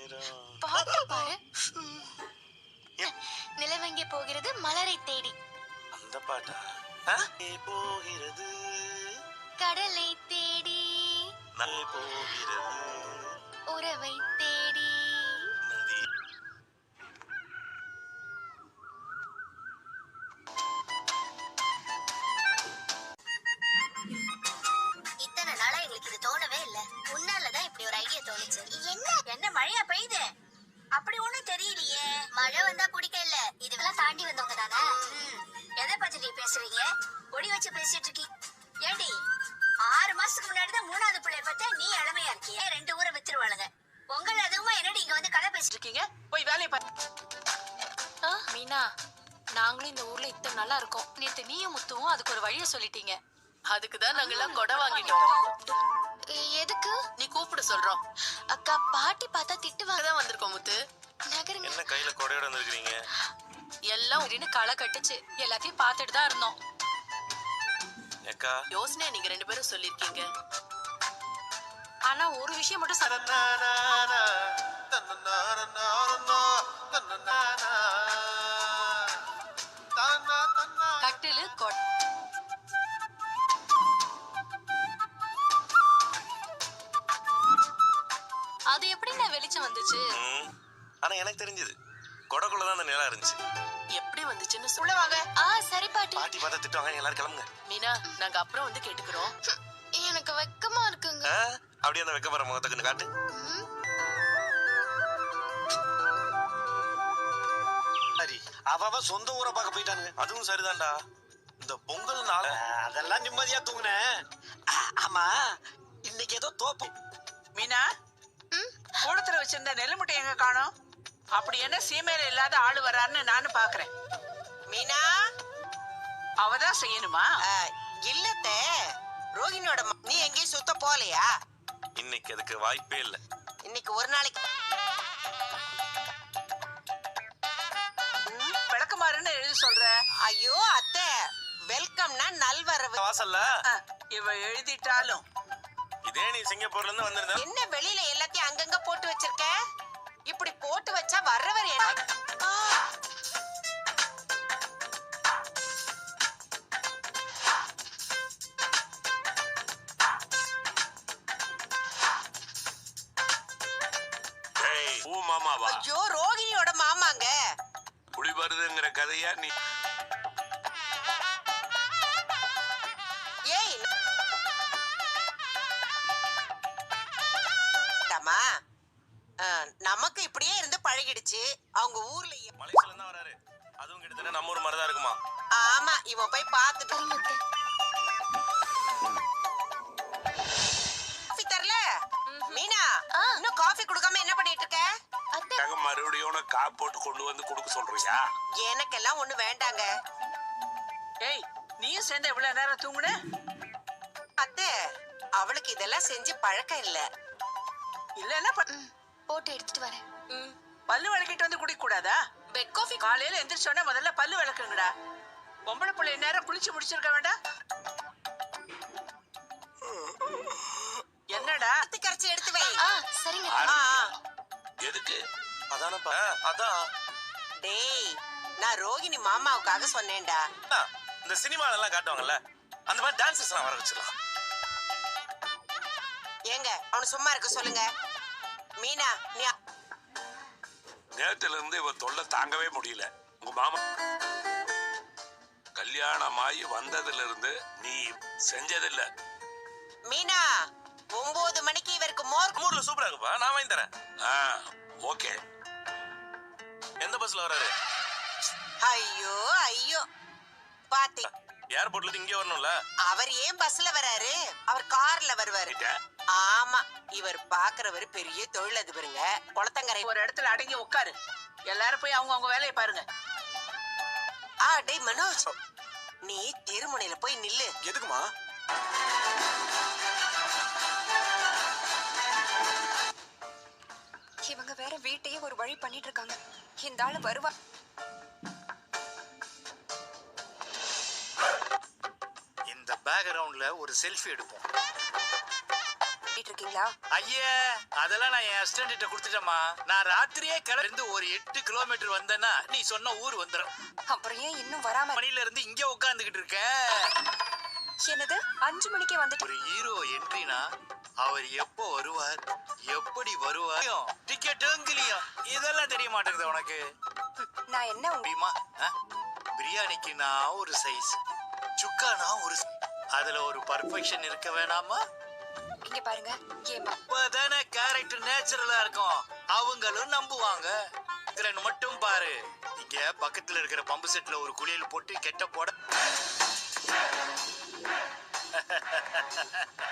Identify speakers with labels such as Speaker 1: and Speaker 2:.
Speaker 1: பாட்டு பாரு. நிலவெங்கே போகிறது மலரை தேடி.
Speaker 2: அந்த பாட்டா? போகிறது
Speaker 1: கடலை தேடி
Speaker 2: போகிறது
Speaker 1: உறவை தேடி.
Speaker 2: நதி.
Speaker 3: இத்தனை நாளா எங்களுக்கு இது தோணவே இல்ல. உன்னாலதான் இப்படி ஒரு ஐடியா தோணுச்சு. என்ன மழையா பெய்யுது? அப்படி ஒண்ணும் தெரியலையே. மழை வந்தா பிடிக்கல. இதெல்லாம் தாண்டி வந்தவங்க தானே. எதை பத்தி நீ பேசுறீங்க? ஒடி வச்சு பேசிட்டு இருக்கீங்க. ஏண்டி 6 மாசத்துக்கு முன்னாடிதான் 3வது பிள்ளை பார்த்தா நீ இளமையா இருக்கிய. 2 ஊரை வித்துருவாளுங்க. பொங்கல் அதுவுமா என்னடி இங்க வந்து கதை பேசிட்டு இருக்கீங்க?
Speaker 4: போய் வேலையை பாரு.
Speaker 5: மீனா, நாங்களும் இந்த ஊர்ல இத்தனை நாளா இருக்கோம். நேத்து நீயும் முத்துவும் அதுக்கு ஒரு வழிய சொல்லிட்டீங்க. அதுக்குதான் நாங்க எல்லாம் கொடை வாங்கிட்டோம்.
Speaker 1: எதுக்கு?
Speaker 5: நீ கூப்பிட சொல்றோம்.
Speaker 1: அக்கா பாட்டி பார்த்தா திட்டுவாங்க.
Speaker 5: தான் வந்திருக்கோம் முத்து.
Speaker 1: நகருங்க.
Speaker 2: என்ன கையில கொடையோட வந்திருக்கீங்க?
Speaker 5: எல்லாம் ஒருன்னு களை கட்டுச்சு. எல்லாத்தையும் பார்த்துட்டு தான் இருந்தோம்.
Speaker 2: அக்கா
Speaker 5: யோசனை நீங்க 2 பேரும் சொல்லிருக்கீங்க. ஆனா ஒரு விஷயம் மட்டும் கட்டிலு அது எப்படி நான் வெளிச்சம் வந்துச்சு?
Speaker 2: ஆனா எனக்கு தெரிஞ்சது கொடைக்குள்ளதான் அந்த நிலா இருந்துச்சு.
Speaker 5: எப்படி வந்துச்சுன்னு
Speaker 4: உள்ள வாங்க.
Speaker 1: சரி பாட்டி.
Speaker 2: பாட்டி பார்த்தா திட்டுவாங்க, எல்லாரும் கிளம்புங்க.
Speaker 5: மீனா, நாங்க அப்புறம் வந்து கேட்டுக்கிறோம்.
Speaker 1: எனக்கு வெக்கமா இருக்குங்க.
Speaker 2: அப்படியே அந்த வெக்கப்படுற முகத்துக்குன்னு காட்டு.
Speaker 6: சரி, அவ சொந்த ஊரை பார்க்க போயிட்டானுங்க.
Speaker 2: அதுவும் சரிதான்டா. இந்த பொங்கல் நாள்
Speaker 6: அதெல்லாம் நிம்மதியா தூங்குனேன். ஆமா, இன்னைக்கு ஏதோ தோப்பு.
Speaker 4: மீனா, கூடத்துல வச்சிருந்த நெல்லு முட்டை எங்க காணோம்? அப்படி என்ன சீமையில இல்லாத ஆளு வர்றாருன்னு நானும் பாக்குறேன். மீனா, அவதான் செய்யணுமா?
Speaker 7: இல்லத்த ரோகிணியோட நீ எங்கேயும் சுத்த போலையா?
Speaker 2: இன்னைக்கு அதுக்கு வாய்ப்பே இல்ல.
Speaker 7: இன்னைக்கு ஒரு நாளைக்கு
Speaker 4: விளக்குமாறுன்னு எழுதி சொல்ற.
Speaker 7: ஐயோ அத்தை, வெல்கம்னா நல்வரவு.
Speaker 2: வாசல்ல
Speaker 4: இவ எழுதிட்டாலும்
Speaker 2: இதே நீ சிங்கப்பூர்ல இருந்து வந்திருந்த.
Speaker 7: என்ன வெளியில எல்லாத்தையும் அங்கங்க போட்டு வச்சிருக்க? இப்படி போட்டு வச்சா வர்றவர் என்ன?
Speaker 6: மாமாவா?
Speaker 7: ஐயோ, ரோகிணியோட மாமாங்க.
Speaker 6: புலி வருதுங்கிற கதையா நீ?
Speaker 7: ஏய் நமக்கு இப்படியே இருந்து பழகிடுச்சு. அவங்க ஊர்ல
Speaker 2: மலேசியால இருந்து வராரு. அதுவும் கிட்டத்தட்ட நம்ம ஊர் மாதிரி தான் இருக்குமா?
Speaker 7: ஆமா, இவன் போய் பார்த்துட்டு தரல. மீனா, இன்னும் காஃபி குடுக்காம என்ன பண்ணிட்டு இருக்க?
Speaker 6: மறுபடியும் காப் போட்டு கொண்டு வந்து கொடுக்க சொல்றியா?
Speaker 7: எனக்கெல்லாம் ஒண்ணு வேண்டாங்க.
Speaker 4: ஏய், நீயும் சேர்ந்து எவ்வளவு நேரம் தூங்குன?
Speaker 7: அத்தை, அவளுக்கு இதெல்லாம் செஞ்சு பழக்கம் இல்ல.
Speaker 4: இல்லன்னா
Speaker 1: போட்டு எடுத்துட்டு வரேன்.
Speaker 4: பல்லு விளக்கிட்டு வந்து குடிக்க கூடாதா? பெட் காஃபி காலையில எந்திரிச்சோன்னா முதல்ல பல்லு விளக்குங்கடா. பொம்பளை பிள்ளை நேரம் குளிச்சு முடிச்சிருக்க வேண்டாம்? என்னடா?
Speaker 7: கரைச்சி எடுத்து வை.
Speaker 1: சரிங்க.
Speaker 6: எதுக்கு?
Speaker 2: அதானப்பா. அதான்.
Speaker 7: டேய், நான் ரோகிணி மாமாவுக்காக சொன்னேன்டா.
Speaker 2: இந்த சினிமால எல்லாம் காட்டுவாங்கல்ல, அந்த மாதிரி டான்சர்ஸ் எல்லாம் வர வச்சிடலாம்.
Speaker 7: ஏங்க, அவனு சும்மா இருக்க சொல்லுங்க. மீனா, நீ
Speaker 6: நேரத்துல இருந்து இவ தொல்லை தாங்கவே முடியல. உங்க மாமா கல்யாணமாயி வந்ததுல இருந்து நீ செஞ்சதில்ல.
Speaker 7: மீனா, 9 மணிக்கு இவருக்கு மோர்.
Speaker 2: ஊர்ல சூப்பரா இருக்குப்பா, நான் வாங்கி தரேன்.
Speaker 6: ஓகே.
Speaker 2: எந்த பஸ்ல வராரு?
Speaker 7: ஐயோ ஐயோ, பாத்தி
Speaker 2: ஏர்போர்ட்ல இருந்து இங்கே வரணும்ல.
Speaker 7: அவர் ஏன் பஸ்ல வராரு? அவர் கார்ல வருவாரு. ஆமா, இவர் பாக்குறவர் பெரிய தொழிலதிபருங்க. குளத்தங்கரை
Speaker 4: ஒரு இடத்துல அடங்கி உட்காரு. எல்லாரும் போய் அவங்க வேலையை பாருங்க.
Speaker 7: டேய் மனோஜ், நீ திருமுனையில போய் நில்லு.
Speaker 6: எதுக்குமா?
Speaker 8: இவங்க வேற வீட்டையே ஒரு வழி பண்ணிட்டு இருக்காங்க. இந்த ஆளு வருவா.
Speaker 6: இந்த பேக்ரவுண்ட்ல ஒரு செல்ஃபி எடுப்போம்.
Speaker 8: இருக்கீங்களா? கொடுத்தீங்களா?
Speaker 9: ஐயே அதெல்லாம் நான் என் அசிஸ்டன்ட் கிட்ட கொடுத்துட்டேம்மா. நான் ராத்திரியே கிளம்பி ஒரு 8 கிலோமீட்டர் வந்தேன்னா நீ சொன்ன ஊர் வந்துடும்.
Speaker 8: அப்புறம் ஏன் இன்னும் வராம?
Speaker 9: மணில இருந்து இங்க உட்காந்துக்கிட்டு இருக்கேன்.
Speaker 8: என்னது 5 மணிக்கே வந்துட்டு?
Speaker 9: ஒரு ஹீரோ என்ட்ரினா அவர் எப்போ வருவார், எப்படி வருவார், டிக்கெட்டும் கிளியும் இதெல்லாம் தெரிய மாட்டேங்குது உனக்கு.
Speaker 8: நான் என்ன
Speaker 9: முடியுமா? பிரியாணிக்கு நான் ஒரு சைஸ், சுக்கானா ஒரு அதுல ஒரு பர்ஃபெக்ஷன் இருக்க வேணாமா?
Speaker 8: இங்க பாருங்க, ஏமா
Speaker 9: அப்பதானே கேரக்டர் நேச்சுரலா இருக்கும், அவங்களும் நம்புவாங்க. மட்டும் பாரு, இங்க பக்கத்துல இருக்கிற பம்பு செட்ல ஒரு குளியல் போட்டு கெட்ட போட